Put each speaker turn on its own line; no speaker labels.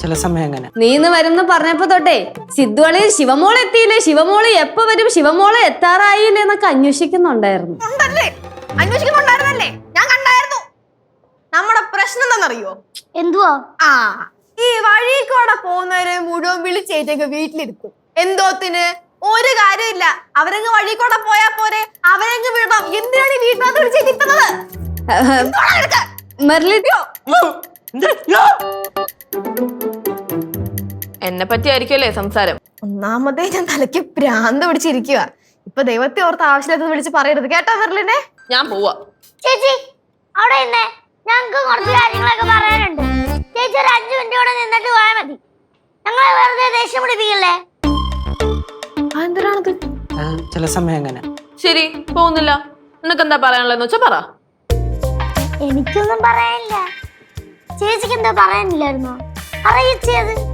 ചില സമയം അങ്ങനെ.
നീന്ന് വരുന്ന പറഞ്ഞപ്പോ തൊട്ടേ സിദ്ധുവളി ശിവമോളെ എത്തിയില്ലേ, ശിവമോള് എപ്പോ വരും, ശിവമോളെ എത്താറായില്ലേ എന്നൊക്കെ അന്വേഷിക്കുന്നുണ്ടായിരുന്നു.
അന്വേഷിക്കുന്നുണ്ടായിരുന്നല്ലേ, ഞാൻ കണ്ടായിരുന്നു. നമ്മുടെ പ്രശ്നം എന്താണെന്നറിയോ?
എന്തുവാ?
ഈ വഴി കൂടെ പോകുന്നവരെ മുഴുവൻ വിളിച്ചേറ്റൊക്കെ വീട്ടിലിരുത്തും. എന്തോത്തിന്? ഒരു കാര്യമില്ല, അവരങ്ങ് വഴി കൂടെ പോയാ പോരെ, അവരങ്ങ് വിടണം. എന്തിനാണ് ഈ വീട്ടിനകത്ത് വിളിച്ചേറ്റിരുത്തുന്നത്?
എന്നെ പറ്റിയായിരിക്കുമല്ലേ സംസാരം?
ഒന്നാമതേ ഞാൻ തലയ്ക്ക് ഭ്രാന്ത് പിടിച്ചിരിക്കുക. ഇപ്പൊ ദൈവത്തെ ഓർത്ത് ആവശ്യമില്ലാത്തത് വിളിച്ച് പറയരുത് കേട്ടോ മെർലിനെ.
ഞാൻ പോവാ.
ചേച്ചി അവിടെ ഇന്നേ, ഞങ്ങൾക്ക് കുറച്ച് കാര്യങ്ങളൊക്കെ പറയാനുണ്ട്. ചേച്ചി ഒരു 5 മിനിറ്റ് കൂടെ നിന്നിട്ട് പോയാൽ മതി. ഞങ്ങളെ വെറുതെ ദേഷ്യം പിടിപ്പിക്കല്ലേ.
എന്തിനാണത്?
ചില സമയം അങ്ങനെ.
ശരി, പോകുന്നില്ല. നിനക്ക് എന്താ പറയാനുള്ളതെന്ന് വെച്ചാ പറ.
എനിക്കൊന്നും പറയാനില്ല. ചേച്ചിക്ക് എന്താ പറയാനില്ലായിരുന്നോ? അറിയിച്ചത്